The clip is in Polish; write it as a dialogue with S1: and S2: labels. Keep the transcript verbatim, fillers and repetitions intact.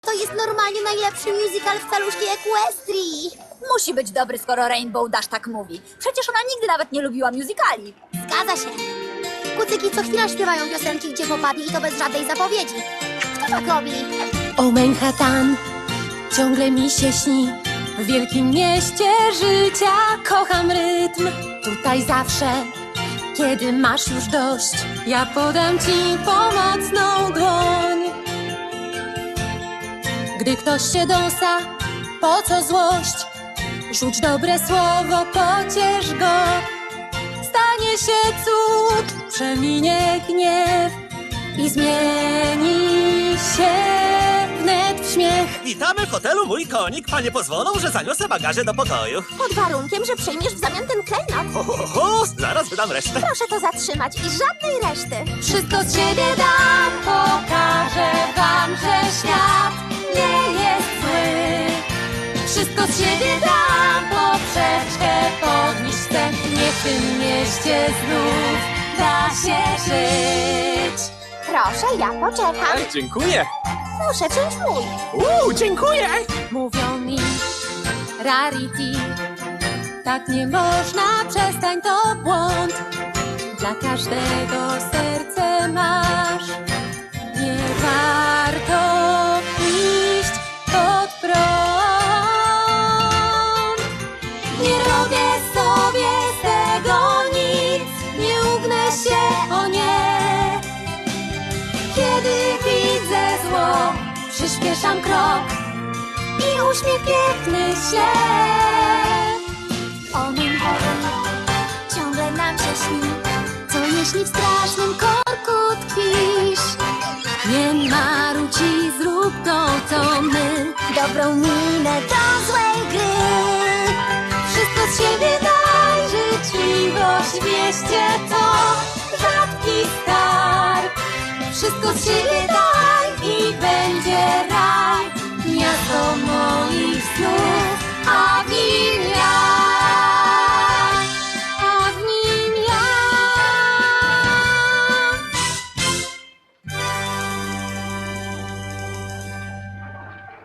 S1: To jest normalnie najlepszy musical w caluszkiej Equestrii.
S2: Musi być dobry, skoro Rainbow Dash tak mówi. Przecież ona nigdy nawet nie lubiła musicali.
S1: Zgadza się. Kucyki co chwila śpiewają piosenki, gdzie popadli i to bez żadnej zapowiedzi. Kto tak robi?
S3: O Manhattan, ciągle mi się śni. W wielkim mieście życia kocham rytm. Tutaj zawsze, kiedy masz już dość, ja podam ci pomocną dłoń. Gdy ktoś się dąsa, po co złość? Rzuć dobre słowo, pociesz go. Stanie się cud, przeminie gniew i zmieni się wnet w śmiech.
S4: Witamy w hotelu Mój Konik. Panie pozwolą, że zaniosę bagaże do pokoju.
S1: Pod warunkiem, że przyjmiesz w zamian ten klejnot.
S4: Ho, ho, ho, zaraz wydam resztę.
S1: Proszę to zatrzymać i żadnej reszty.
S3: Wszystko z siebie dam, pokażę wam, że świat nie jest zły. Wszystko z siebie dam, poprzeczkę podnieść chcę. Niech w tym mieście znów da się żyć.
S1: Proszę, ja poczekam.
S5: Ej, dziękuję.
S1: Proszę, czymś mój.
S5: Uuu, dziękuję.
S3: Mówią mi Rarity, tak nie można, przestań, to błąd. Dla każdego serce masz, nie warto iść pod prąd. Nie robię sobie z tego nic, nie ugnę się, o nie. Kiedy widzę zło, przyspieszam krok i uśmiech piękny się.
S1: O Manhattan, ciągle nam się śni. Co jeśli w strasznym korku tkwisz?
S3: Nie marudź i zrób to, co my.
S1: Dobrą minę do złej gry.
S3: Wszystko z siebie daj, życzliwość w mieście to rzadki skarb. Wszystko z siebie daj i będzie raj, miasto moich snów.